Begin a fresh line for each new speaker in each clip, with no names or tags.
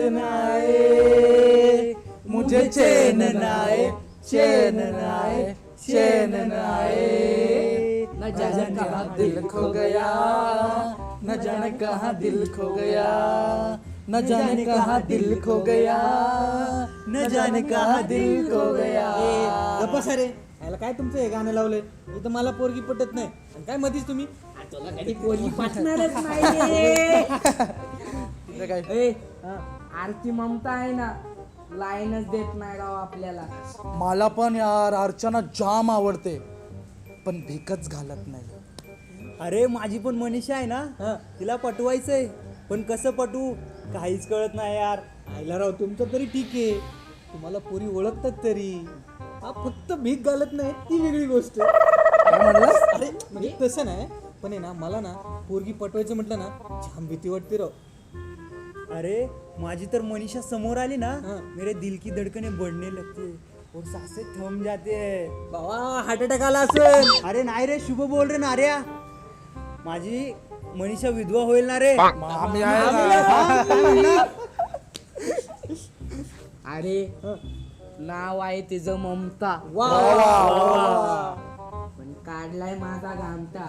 नाए, मुझे चैन नाए, चैन नाए, चैन नाए। न जाने कहाँ दिल खो गया, न जाने कहाँ दिल खो गया, न जाने कहाँ दिल खो गया, न जाने कहाँ दिल खो गया।
गप्पा सारे याला काय तुमचं हे गाणं लावलंय? इथं मला पोरगी पटत नाही आणि काय मधीच तुम्ही
तुला कधी पोरगी पाठणारच नाही.
काय
ए, आरती ममता आहे ना, लाईनच देत नाही राव आपल्याला.
मला पण यार अर्चना जाम आवडते, पण भीकच घालत नाही.
अरे माझी पण मनीषा आहे ना, तिला पटवायचंय, पण कसं पटवू काहीच कळत नाही यार.
आयला राव तुमचं तरी ठीक आहे, तुम्हाला पोरी ओळखतात तरी. हा फक्त भीक घालत नाही ती वेगळी गोष्ट.
काय म्हणलास?
अरे म्हणजे तसं नाही, पण आहे ना मला ना पोरगी पटवायचं म्हटलं ना छान भीती वाटते राव.
अरे माझी तर मनीषा समोर आली ना,
हाँ.
मेरे दिल की धड़कने बढ़ने लगते और सांसें थम जाते हैं.
बाबा हार्ट अटॅक आला असेल.
अरे नाही रे, शुभ बोल रे नार्या. माझी मनीषा विधवा होईल ना रे.
आम्ही आहे ना.
अरे नाव आहे तिचं ममता,
वा
पण काढलाय माझा घामटा.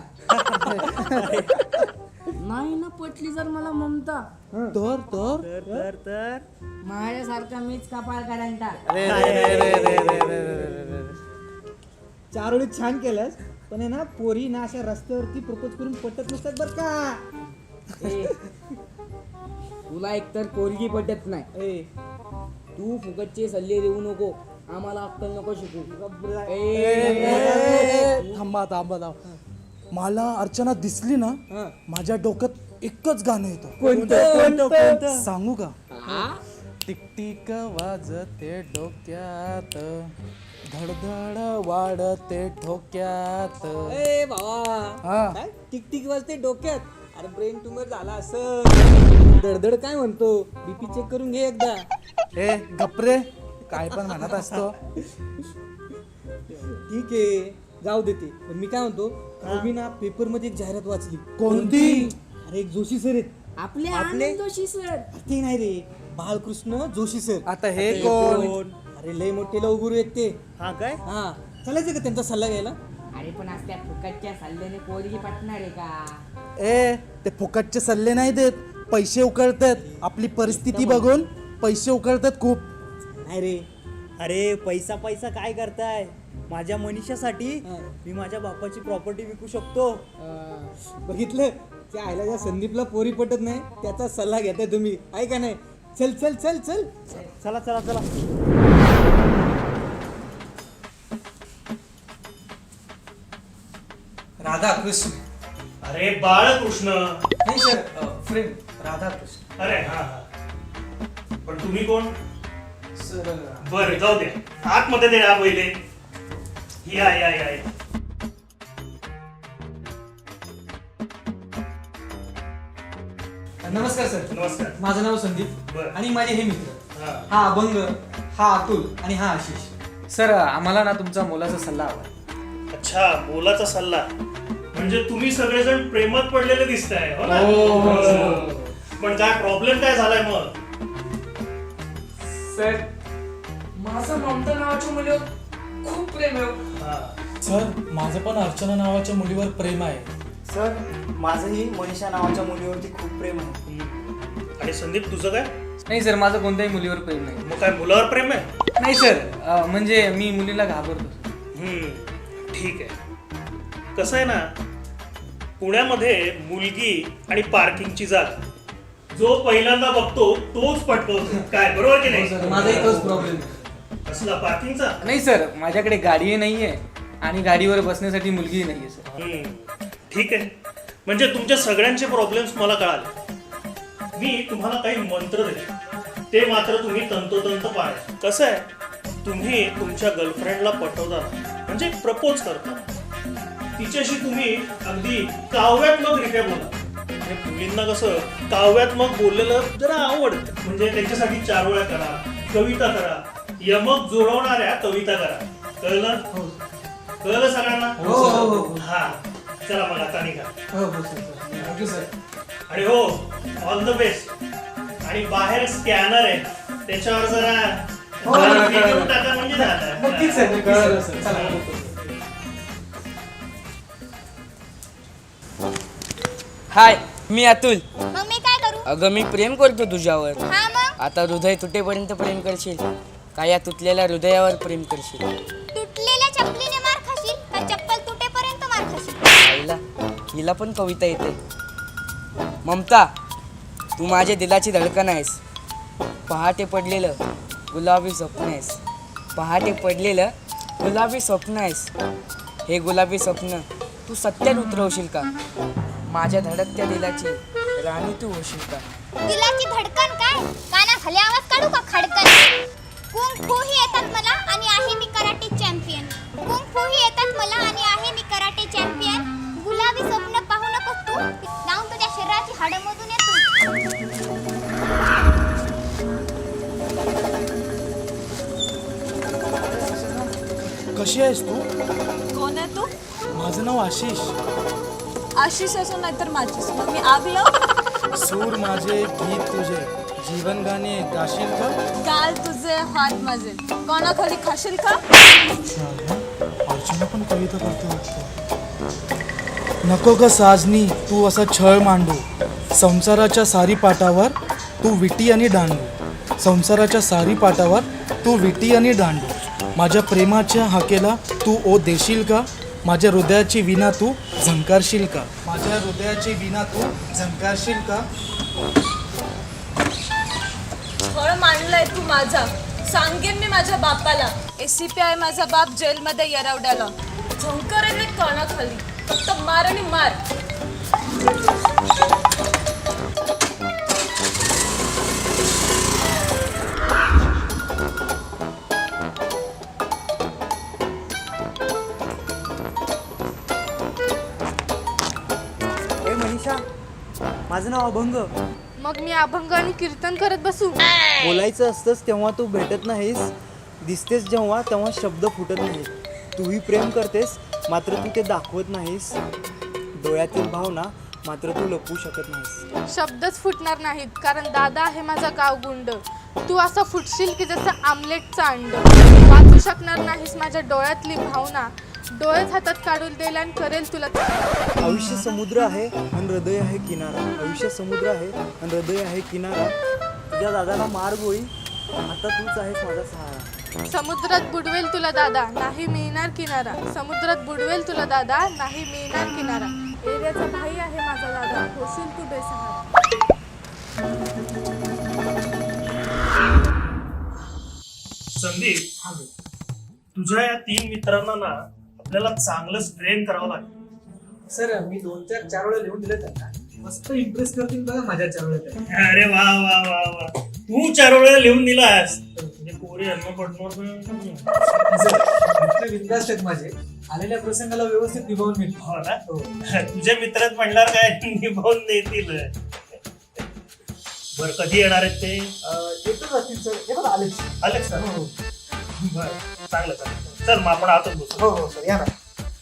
नाही ना पटली जर मला ममता,
तर तर
तर
माझ्यासारखा मीच कपाळ करंटा.
चार वेळी छान केलंस, पण आहे ना पोरी ना अशा रस्त्यावरती प्रपोज करून पटत नसतात बर का.
ए, तुला एकतर पोरगी पटत नाही,
ए
तू फुकटचे सल्ले देऊ नको, आम्हाला अक्कल नको शिकू.
थांबा थांबा थांबा. मला अर्चना दिसली ना,
हा.
माझ्या डोक्यात एकच गाणं येतं.
कोणतं?
सांगू का?
हा?
टिकटिक वाजते डोक्यात, धडधड वाढते ठोक्यात.
ए बाबा
हा.
काय टिक वाजते डोक्यात? अरे ब्रेन ट्यूमर झाला असं. धडधड काय म्हणतो, बीपी चेक करून घे एकदा.
ए गपरे, काय पण म्हणत असतो.
ठीक आहे जाऊ देते, पण मी काय म्हणतो, काल मी ना पेपर मध्ये एक जाहिरात वाचली.
कोणती?
अरे एक जोशी सर आहेत.
आपले आनंद जोशी सर.
ते नाही रे, बाळकृष्ण जोशी सर.
आता हे कोण?
अरे लय मोठे लवगुरु आहेत ते.
हा काय?
हा चालायचं का त्यांचा सल्ला घ्यायला?
अरे पण आज त्या फुकटच्या सल्ल्याने पोरगी पटणार आहे का?
ए ते फुकटचे सल्ले नाही देत, पैसे उकळतात. आपली परिस्थिती बघून पैसे उकळतात खूप.
नाही रे,
अरे पैसा पैसा काय करताय? माझ्या मनीषासाठी
हा.
मी माझ्या बापाची प्रॉपर्टी विकू शकतो.
बघितलं त्या आयला ज्या संदीपला पोरी पटत नाही त्याचा सल्ला घेताय तुम्ही, आहे का नाही? चल चल चल चल.
चला चला चला.
राधा कृष्ण.
अरे बाळकृष्ण.
नाही सर, फ्रेम राधा कृष्ण.
अरे हा हा. पण तुम्ही कोण?
सर
बर जाऊ दे, आतमध्ये दे या पहिले. या या या या.
नमस्कार सर.
नमस्कार.
माझं नाव संदीप
बरं.
आणि माझे हे मित्र.
हा.
हा अभंग, हा अतुल आणि हा आशिष. सर आम्हाला ना तुमचा मोलाचा सल्ला हवा.
अच्छा, मोलाचा सल्ला. म्हणजे तुम्ही सगळेजण प्रेमात पडलेले दिसताय, हो ना?
हो.
पण काय प्रॉब्लेम काय झालाय मग?
सर
माझं ममता नावाच्या मुलीवर खूप प्रेम आहे.
हा.
सर माझं पण अर्चना नावाच्या मुलीवर प्रेम आहे.
सर माझंही मनीषा नावाच्या मुलीवरती खूप प्रेम आहे.
आणि संदीप तुझं काय?
नाही सर, माझं कोणत्याही मुलीवर प्रेम नाही.
मग काय मुलावर प्रेम आहे?
नाही सर, म्हणजे मी मुलीला घाबरतो.
ठीक आहे. कसं आहे ना, पुण्यामध्ये मुलगी आणि पार्किंगची जागा जो पहिल्यांदा बघतो तोच पटकवतो. काय बरोबर की नाही?
माझाही तोच प्रॉब्लेम.
कसला पार्किंगचा?
नाही सर, माझ्याकडे गाडीही नाहीये आणि गाडीवर बसण्यासाठी मुलगीही नाहीये सर.
ठीक आहे. म्हणजे तुमच्या सगळ्यांचे प्रॉब्लेम्स मला कळाले. मी तुम्हाला काही मंत्र देतो, ते मात्र तुम्ही तंतोतंत पाळा. कसं आहे, तुम्ही तुमच्या गर्लफ्रेंडला पटवता म्हणजे प्रपोज करता, तिच्याशी तुम्ही अगदी काव्यात्मकरित्या बोला. म्हणजे मुलींना कसं काव्यात्मक बोललेलं जरा आवडतं. म्हणजे त्यांच्यासाठी चारोळ्या करा, कविता करा, यमक जुळवणाऱ्या कविता करा. कळलं? कळलं सगळ्यांना? हा चला मग आता निघा.
हो सर. Thank you sir.
आणि हो, ऑल द बेस्ट. आणि बाहेर स्कॅनर आहे त्याच्यावर जरा
हो,
हे करून टाका म्हणजे
नक्कीच सर,
झालं.
नक्कीच सर. चला.
हाय, मी अतुल.
मग मी काय करू?
अगं मी प्रेम करतो तुझ्यावर.
हा मग
आता हृदय तुटेपर्यंत प्रेम करशील का या तुटलेल्या हृदयावर प्रेम करशील?
तुटलेल्या चपलीने मार खाशील का चप्पल तुटेपर्यंत मार खाशील?
आईला हिला पण कविता येते. ममता, तू माझ्या दिलाची धडकन आहेस. पहाटे पडलेलं गुलाबी स्वप्न आहेस. पहाटे पडलेलं गुलाबी स्वप्न आहेस. हे गुलाबी स्वप्न तू सत्यात उतरवशील का? माझ्या धडकत्या दिलाची राणी तू होशील का?
दिलाची धडकन काय? कानाखाली आवाज काढू का खडकन? कुंग फू ही येतात मला आणि आहे मी कराटे चॅम्पियन. कुंग फू ही येतात मला आणि आहे मी कराटे चॅम्पियन. गुलाबी स्वप्न पाहू नकोस तू, जाऊन तुझ्या शरीराची हाडं मोजून ये तू.
कशी आहेस तू?
कोण आहे तू?
माझं नाव आशिष.
आशिष असं नाहीतर माझीच. मग मी आगलो
सूर माझे गीत तुझे जीवन गाणे गाशील का?
गाल तुझे हात माझे कोणाखाली खाशील का?
अर्चना पण कविता करते वाटतं. नको ग साजनी तू असा छळ मांडू. संसाराच्या सारी पाटावर तू विटी आणि दांडू. संसाराच्या सारी पाटावर तू विटी आणि दांडू. माझ्या प्रेमाच्या हाकेला तू ओ देशील का? माझ्या हृदयाची विना तू झंकारशील का? माझ्या हृदयाची विना तू झंकारशील का?
फळ मांडलंय तू माझा, सांगेन मी माझ्या बापाला. ACP आहे माझा बाप जेलमध्ये येरवड्याला. झंकरेन मी कानाखाली, फक्त मार आणि मार.
ए मनीषा, माझं नाव अभंग.
मग मी अभंग आणि कीर्तन करत बसू?
बोलायचं असतंच तेव्हा तू भेटत नाहीस. दिसतेस जेव्हा तेव्हा शब्द फुटत नाहीत. तूही प्रेम करतेस मात्र तू ते दाखवत नाहीस. डोळ्यातील भावना मात्र तू लपवू शकत नाहीस.
शब्दच फुटणार नाहीत कारण दादा आहे माझा गावगुंड. तू असं फुटशील की जसं आमलेटचं अंड. वाचू शकणार नाहीस माझ्या डोळ्यातली भावना. डोळेच हातात काढून देईल आणि करेल तुला.
आयुष्य समुद्र आहे आणि हृदय आहे किनारा. आयुष्य समुद्र आहे आणि हृदय आहे किनारा. तुझ्या दादाला मार गोळी, आता तूच आहेस माझा सहारा.
समुद्रात बुडवेल तुला दादा, नाही मिळणार किनारा. समुद्रात बुडवेल तुला दादा, नाही मिळणार किनारा. एरियाचा भाई आहे माझा दादा, होशील तू बेसहारा.
संदीप, तुझ्या या 3 मित्रांना ना आपल्याला चांगलंच ट्रेन करावं लागेल.
सर मी 2-4 वेळा लिहून दिले त्यांना. मस्त इम्प्रेस करतील बघा माझ्या 4 वेळा.
अरे वा वा वा वा, तू 4 वेळा लिहून दिलास म्हणजे पोरी अन्न पडणार
विंदास्त आहेत माझे. आलेल्या प्रसंगाला व्यवस्थित निभावून मी.
हो ना. तुझे मित्रच म्हणणार काय निभावून देतील. बर, कधी येणार आहेत ते?
येतच असतील सर. हे बघा आलेच.
आलेच का?
हो
बर, चांगलं चांगलं. चल मग आपण आतच बसू.
हो हो सर, या ना.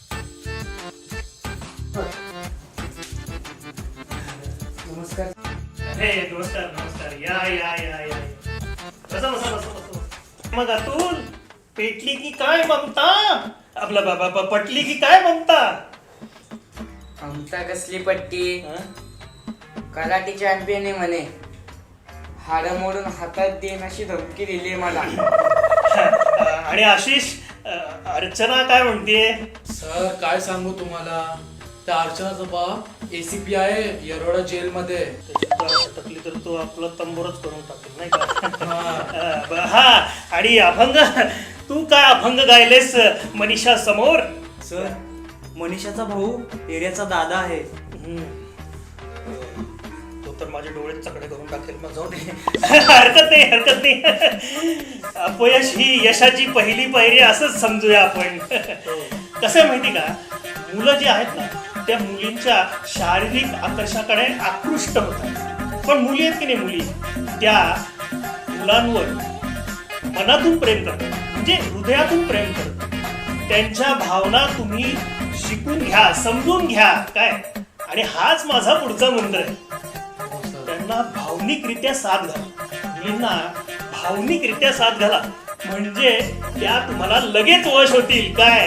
नमस्कार.
हे नमस्कार नमस्कार. या या या या. बसा बसा बसा बसा. मग अतुल, पेटली की काय ममता? आपला बाबा पटली की काय ममता?
ममता कसली पट्टी? कराटे चॅम्पियन आहे म्हणे. हाडं मोडून हातात देईन अशी धमकी दिली मला.
आणि आशिष, अर्चना काय म्हणते?
सर काय सांगू तुम्हाला, त्या अर्चनाचा बाप ACP आहे येरवडा जेलमध्ये.
टाकली तर तो आपला तंबोरच करून टाकेल नाही का? हा, आणि अभंग, तू काय अभंग गायलेस मनीषा समोर?
सर, मनीषाचा भाऊ एरियाचा दादा आहे.
तो तर माझे डोळे चकडे करून टाकेल. मग जाऊ दे, हरकत नाही हरकत नाही. अपयश ही यशाची पहिली पायरी असंच समजूया आपण. कसं आहे माहिती का, मुलं जी आहेत ना त्या मुलींच्या शारीरिक आकर्षाकडे आकृष्ट होतात. पण मुली आहेत की नाही, मुली त्या मुलांवर मनातून प्रेम करतात, म्हणजे हृदयातून प्रेम करतात. त्यांच्या भावना तुम्ही शिकून घ्या, समजून घ्या काय. आणि हाच माझा पुढचा मंत्र आहे. त्यांना भावनिकरित्या साथ घाला. मुलींना भावनिकरित्या साथ घाला म्हणजे त्या तुम्हाला लगेच वश होतील. काय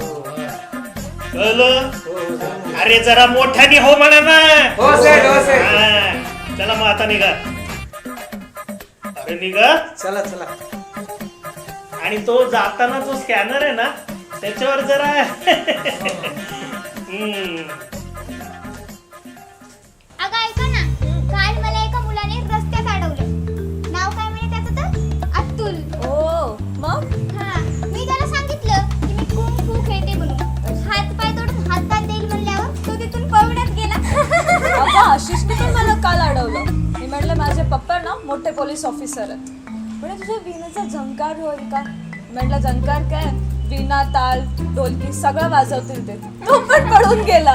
कळलं? अरे जरा मोठ्याने हो म्हणा ना.
हो सेठ, हो सेठ.
हा, चला मग आता निघा. अरे निघा.
चला चला.
आणि तो जाताना जो स्कॅनर आहे ना त्याच्यावर जरा
अगं ऐका ना, काल मला एका मुलाने रस्त्यात अडवलं. नाव काय म्हणे त्याचं तर? अतुल.
ओ मग
हा, मी त्याला सांगितलं की मी कुंग फू खेळते म्हणून. हात पाय तोडून हातात देईल म्हणल्यावर तो तिथून पळूनच गेला.
अगं आशिषने पण मला काल अडवलं. मी म्हटलं माझे पप्पा ना मोठे पोलीस ऑफिसर आहेत. म्हणजे तुझ्या वीणाचा झंकार होईल का? म्हटलं झंकार काय, वीणा ताल ढोलकी सगळं वाजवतील ते. तो पण पडून गेला.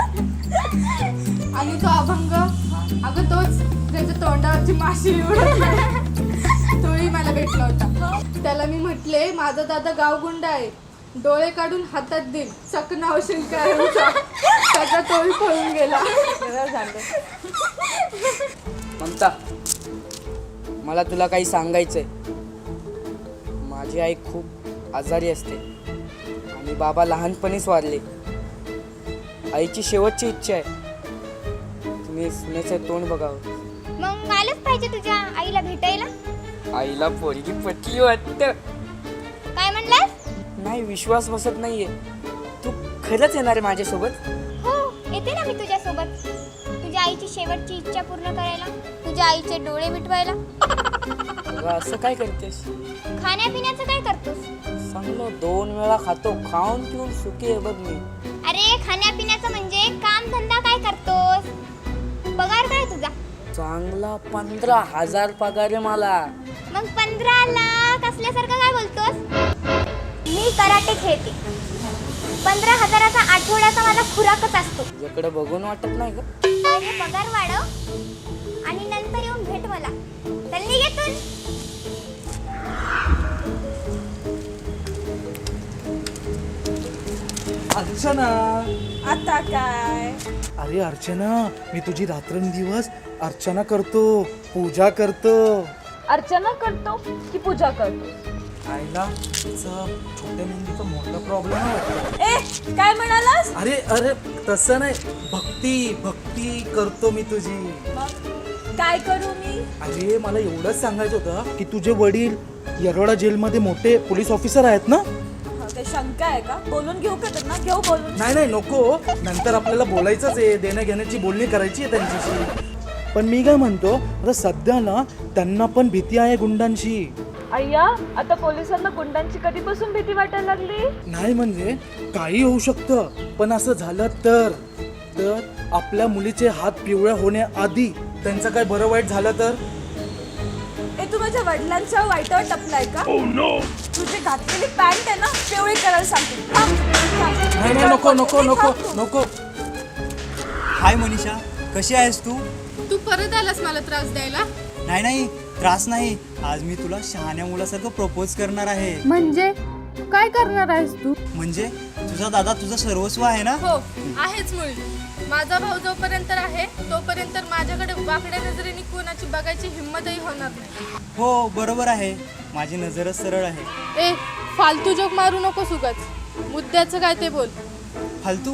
आणि तो अभंग, अगं तोच त्याच्या तोंडावरची माशी उडत तोही मला भेटला होता. त्याला मी म्हटले माझा दादा गावगुंड आहे, डोळे काढून हातात देईल, चकना होशील काय त्याचा तोही पळून गेला.
ममता, मला तुला काही सांगायचंय. माझी आई खूप आजारी असते आणि बाबा लहानपणीच वारले. आईची शेवटची इच्छा आहे तुम्ही सुनेचं तोंड बघावं.
मग आलंच पाहिजे तुझ्या आईला भेटायला.
आईला पोरगी पटली वाटतं.
काय म्हणलास?
नाही, विश्वास बसत नाहीये. तू खरंच येणार आहे माझ्यासोबत?
हो, येते ना मी तुझ्यासोबत. तुझ्या आईची शेवटची इच्छा पूर्ण करायला, तुझ्या आईचे डोळे मिटवायला.
अगं, असं काय करतेस?
खाण्यापिण्याचं काय करतोस?
चांगलं 2 वेळा खातो, खाऊन पिऊन सुखी आहे बघ मी.
अरे खाण्यापिण्याचं म्हणजे काम धंदा काय करतोस? पगार काय तुझा?
चांगला 15,000 पगार आहे मला.
मग 15 लाख असल्यासारखं काय बोलतोस? मी कराटे खेळते. 15,000चा आठवड्याचा माझा खुराकच असतो.
तुझ्याकडे बघून वाटत नाही का?
पहिले पगार वाढव आणि नंतर येऊन भेट मला. चल निघेतून.
अर्चना,
आता काय?
अरे अर्चना, मी तुझी रात्रंदिवस अर्चना करतो, पूजा करतो.
अर्चना करतो की पूजा करतो?
आईला तिचा छोट्या मेंदूचा मोठा प्रॉब्लेम आहे.
ए काय म्हणालास?
अरे अरे तसं नाही, भक्ती भक्ती करतो मी तुझी.
मग काय करू मी?
अरे मला एवढंच सांगायचं होतं की तुझे वडील येरवडा जेलमध्ये मोठे पोलीस ऑफिसर आहेत ना.
ते शंका आहे का? बोलून घेऊ का त्यांना? घेऊ बोलून.
नाही नाही नको, नंतर आपल्याला बोलायचंच आहे, देण्या घेण्याची बोलणी करायची आहे त्यांच्याशी. पण मी काय म्हणतो, आता सध्या ना त्यांना पण भीती आहे गुंडांची.
अय्या, आता पोलिसांना गुंडांची कधीपासून भीती वाटायला लागली?
नाही म्हणजे काही होऊ शकतं, पण असं झालं तर आपल्या मुलीचे हात पिवळ्या होण्याआधी त्यांचं काय बरं वाईट झालं तर?
ए तू माझ्या वडिलांच्या वाईटावर टपलाय का? तुझी घातलेली पॅन्ट आहे ना पिवळी करायला सांगते.
नाही नाही नको नको नको नको.
हाय मनीषा, कशी आहेस तू?
तू परत आलास मला त्रास द्यायला?
नाही नाही, त्रास नाही. आज मी तुला शहाण्या मुलासारखं प्रपोज करणार आहे.
म्हणजे काय करणार आहेस तू?
म्हणजे तुझा दादा तुझं सर्वस्व आहे ना.
हो आहेच मुळी. माझा भाऊ जोपर्यंत आहे तोपर्यंत माझ्याकडे वाकड्या नजरेने कोणाची बघायची हिंमतही होणार नाही.
हो बरोबर आहे, माझी नजरच सरळ आहे.
ए फालतू जोक मारू नको सुगत. मुद्द्याचं काय ते बोल.
फालतू?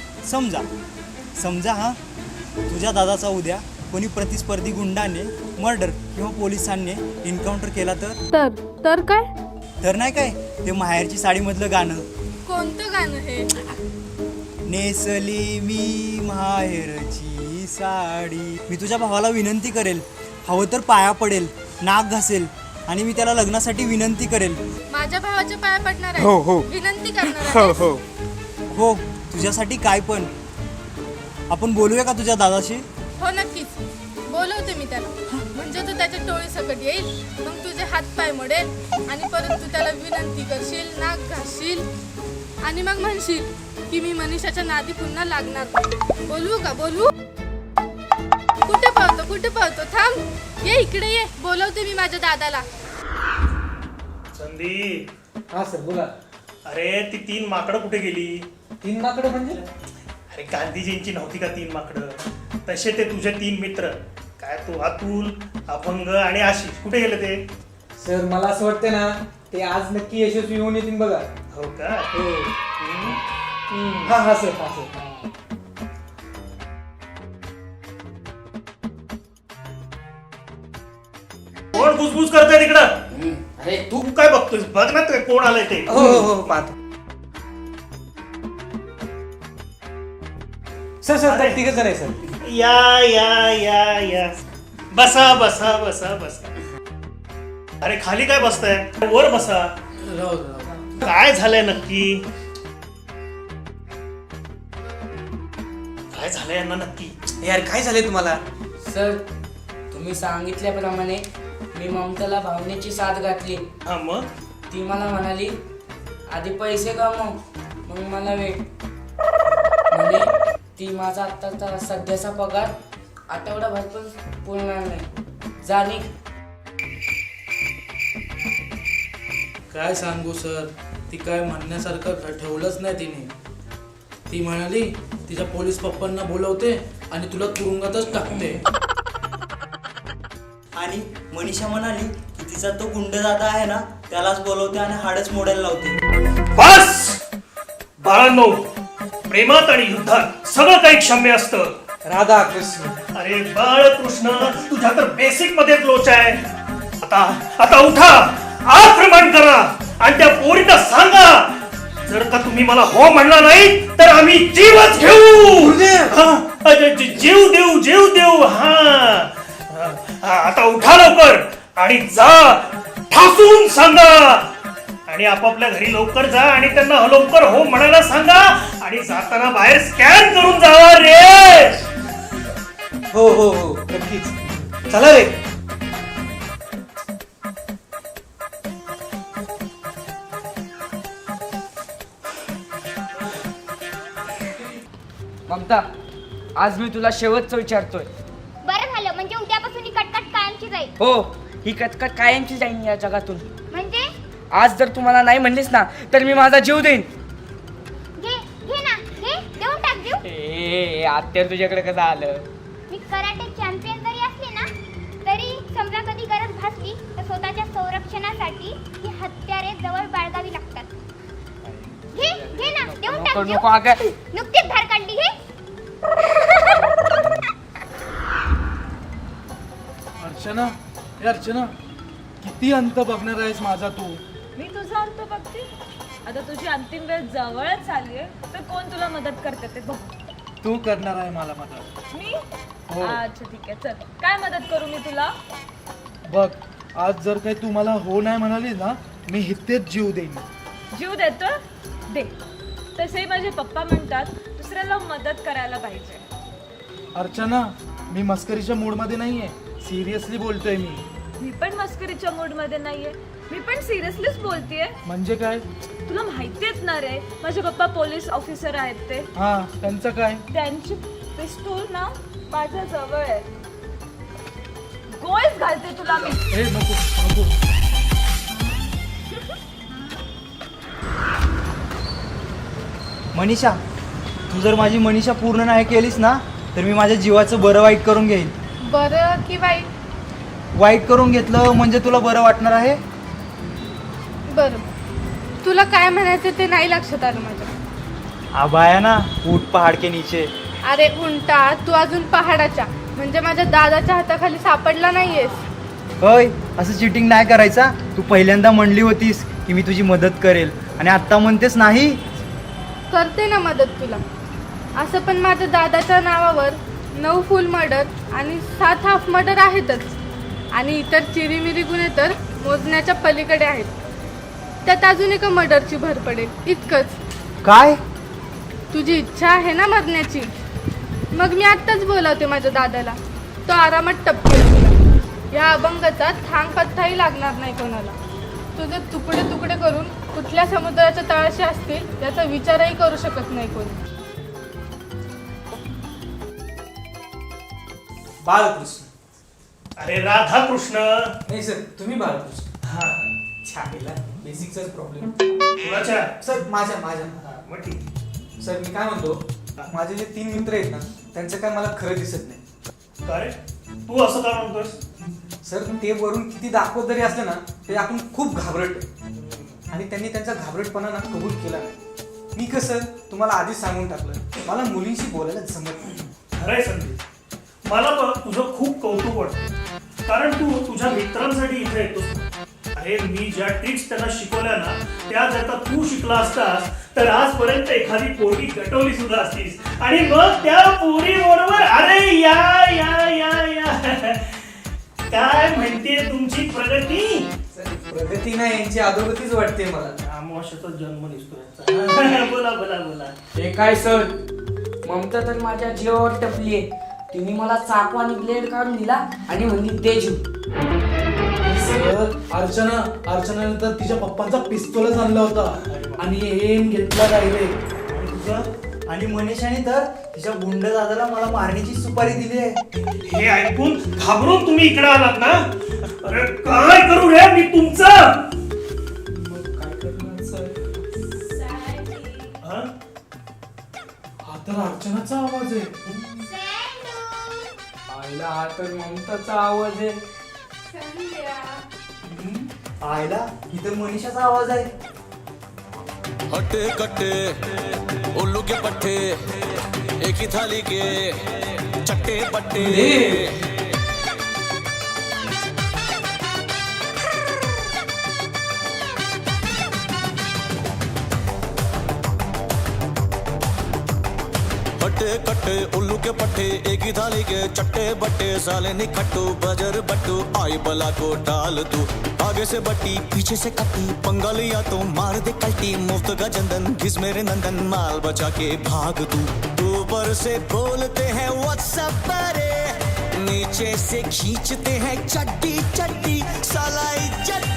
समजा हा, तुझ्या दादाचा उद्या कोणी प्रतिस्पर्धी गुंडाने मर्डर किंवा पोलिसांनी एन्काउंटर केला
तर काय?
तर नाही काय, ते माहेरची साडीमधलं गाणं.
कोणतं गाणं हे?
नेसली मी माहेरची साडी. मी तुझ्या भावाला विनंती करेल, हवं तर पाया पडेल, नाक घासेल आणि मी त्याला लग्नासाठी विनंती करेल.
माझ्या भावाच्या पाया पडणार आहे?
हो.
विनंती करणार आहे?
हो, तुझ्यासाठी काय पण. आपण बोलूया का तुझ्या दादाशी?
हो नक्कीच, बोलवते मी त्याला. म्हणजे तू त्याच्या टोळी सकट येईल, मग तुझे हात पाय मोडेल आणि परत तू त्याला विनंती करशील, नाक घासशील आणि मग म्हणशील की मी मनीषाच्या नादी पुन्हा लागणार नाही. बोलवू का? बोलवू? कुठे पाहतो? थांब, ये इकडे ये. बोलवते मी माझ्या दादाला.
संदीप,
हा सर बोला.
अरे ती 3 माकडं कुठे गेली?
3 माकडं म्हणजे?
अरे गांधीजींची नव्हती का 3 माकडं? तसे ते तुझे 3 मित्र काय तो अतुल, अभंग आणि आशिष कुठे गेले ते?
सर मला असं वाटतं ना ते आज नक्की यशस्वी होऊन येतील बघा.
हो का?
हा हा सर हा सर.
कोण बुजबुज करतोय तिकडं?
अरे
तू काय बघतोय? बघ ना ते कोण आलंय ते.
हो हो हो पाहतो.
सर सर तिघ जण आहे सर.
या या या या बसा बसा बसा बसा. अरे खाली काय बसताय? वर बसा.
राहू दे, राहू दे.
काय झालंय नक्की? काय झालंय यांना नक्की?
यार काय झालंय तुम्हाला?
सर तुम्ही सांगितल्याप्रमाणे मी ममताला भावनेची साथ घातली.
हा मग
ती मला म्हणाली आधी पैसे कमव मग मला भेट. म्हणे ती माझा आत्ताचा सध्याचा पगार आठवडाभर पण पुरणार नाही. जाणीक
काय सांगू सर, ती काय म्हणण्यासारखं ठेवलंच नाही तिने. ती म्हणाली तिच्या पोलीस पप्पांना बोलवते आणि तुला तुरुंगातच टाकते.
आणि मनीषा म्हणाली की तिचा तो गुंड दादा आहे ना त्यालाच बोलवते आणि हाडच मोडायला लावते.
बस बाळांनो, प्रेमात आणि युद्धात सगळं काही क्षम्य असतं.
राधा कृष्ण.
अरे बाळकृष्ण, तुझ्या तर बेसिक मध्ये लोच आहे. आता उठा, आक्रमण करा आणि त्या पोरीला सांगा जर का तुम्ही मला हो म्हणला नाही तर आम्ही जीवच घेऊ. जीव देऊ. आता उठा लवकर आणि जा, ठासून सांगा. आणि आपापल्या घरी लवकर जा आणि त्यांना लवकर हो म्हणायला सांगा. आणि जाताना बाहेर स्कॅन करून जावा रे.
हो हो हो नक्कीच. चला रे.
ममता आज मी तुला शेवटचं विचारतोय.
बरं झालं, म्हणजे उद्यापासून ही कटकट कायमची जाईल.
हो ही कटकट कायमची जाईन या जगातून.
म्हणजे
आज जर तुम्हाला नाही म्हणलीस ना तर मी माझा जीव देईन.
घे ना, देऊन टाक जीव.
ए आत्या तुझ्याकडे कसं आलं?
मी कराटे चॅम्पियन जरी असले ना तरी समजा कधी गरज भासली तर स्वतःच्या संरक्षणासाठी ही हत्यारे जवळ बाळगावी लागतात. घे ना, देऊन टाक जीव.
नको अगं.
नुकतीच धार काढली घे.
अर्चना, ए अर्चना, किती अंत बघणार आहेस माझा तू?
मी तुझा अंत बघते. आता तुझी अंतिम वेळ जवळच आली आहे तर कोण तुला मदत करते ते बघ.
तू करणार आहे मला मदत.
मी?
हो.
अच्छा ठीक आहे, चल काय मदत करू मी तुला?
बघ, आज जर काही तू मला हो नाही म्हणाली ना मी इथेच जीव देईन.
जीव देतो दे. तसे माझे पप्पा म्हणतात दुसऱ्याला मदत करायला पाहिजे.
अर्चना, मी मस्करीच्या मूडमध्ये नाहीये, सिरियसली बोलतोय मी.
मी पण मस्करीच्या मूड मध्ये नाहीये, मी पण सिरियसलीच बोलतेय.
म्हणजे काय?
तुला माहितीच ना रे माझे पप्पा पोलीस ऑफिसर आहेत ते.
हा, त्यांचं काय?
त्यांची पिस्तूल ना माझ्या जवळ आहे. गोळीच घालते तुला मी.
ए नको.
मनीषा, तू जर माझी मनीषा पूर्ण नाही केलीस ना तर मी माझ्या जीवाचं बरं वाईट करून घेईन.
बरं की वाईट?
वाईट करून घेतलं म्हणजे तुला बरं वाटणार आहे?
बरं, तुला काय म्हणायचं ते नाही लक्षात आलं माझ्या.
आबाया ना ऊट पहाड के नीचे.
अरे उंटा, तू अजून पहाडाच्या म्हणजे माझ्या दादाच्या हाताखाली सापडला नाहीयेस.
होय, असं चिटिंग नाही करायचा. तू पहिल्यांदा म्हणली होतीस की मी तुझी मदत करेल आणि आत्ता म्हणतेस नाही.
करते ना मदत तुला. असं पण माझ्या दादाच्या नावावर 9 फुल मर्डर आणि 7 हाफ मर्डर आहेतच. आणि इतर चिरीमिरी गुन्हे तर मोजण्याच्या पलीकडे आहेत. त्यात अजून एका मर्डरची भर पडेल इतकंच.
काय?
तुझी इच्छा आहे ना मरण्याची? मग मी आत्ताच बोलावते माझ्या दादाला. तो आरामात टपकेल तुला. या अभंगाचा थांग पत्ताही लागणार नाही कोणाला. तुझे तुकडे तुकडे करून कुठल्या समुद्राच्या तळाशी असतील याचा विचारही करू शकत नाही कोणी.
बाळकृष्ण.
अरे राधाकृष्ण.
नाही सर, तुम्ही बाळकृष्ण.
हा,
छानला बेसिकचाच प्रॉब्लेम.
कुणाच्या?
सर माझ्या.
मग ठीक.
सर मी काय म्हणतो, माझे जे 3 मित्र आहेत ना त्यांचं काय मला खरं दिसत नाही.
काय? तू असं का म्हणतोस?
सर ते वरून किती दाखवत जरी असलं ना ते आपण खूप घाबरट आहे. आणि त्यांनी त्यांचा घाबरटपणा ना कबूल केला नाही. मी कसं तुम्हाला आधीच सांगून टाकलं, मला मुलींशी बोलायला जमत नाही.
खरंय संदीप, मला बघ तुझं खूप कौतुक वाटतं, कारण तू तुझ्या मित्रांसाठी इथे येतोस. अरे मी ज्या ट्रिक्स त्यांना शिकवल्या ना त्या जर का तू शिकला असतास तर आजपर्यंत एखादी पोरगी गटवली सुद्धा असतीस. आणि मग त्या पोरी बरोबर अरे या या या या काय म्हणते तुमची प्रगती?
प्रगती नाही, यांची अधोगतीच वाटते मला.
अमावस्याचा जन्म दिसतो. बोला बोला बोला.
हे काय सर, ममता तर माझ्या जीवावर टपलीये. तिने मला चाकू आणि ब्लेड काढून दिला आणि म्हणली दे जीव.
अर्चनाने तर तिच्या पप्पांचा पिस्तोलच आणला होता आणि एम घेतला डायरेक्ट.
आणि मनीषाने तर तिच्या गुंड दादाला मला मारण्याची सुपारी दिली आहे.
हे ऐकून घाबरून तुम्ही इकडे आलात ना? अरे काय करू रे मी तुमचं? हा?
हा तर अर्चनाचा आवाज आहे.
आईला हा तर ममताचा आवाज आहे.
आयला इथं मनीषाचा आवाज आहे.
हट्टे कट्टे उल्लू के पट्टे एक ही थाली के चट्टे पट्टे. हट्टे कट्टे उल्लू के पट्टे एक ही थाली के चट्टे बट्टे साले निखट्टू बजर बट्टू आई बला को डाल तू आगे से बट्टी पीछे से कट्टी पंगा लिया तो मार दे कल्टी मुफ्त का चंदन घिस मेरे नंदन माल बचा के भाग तू ऊपर से बोलते हैं व्हाट्सएप पर नीचे से खींचते हैं चड्डी चड्डी साला इज्जत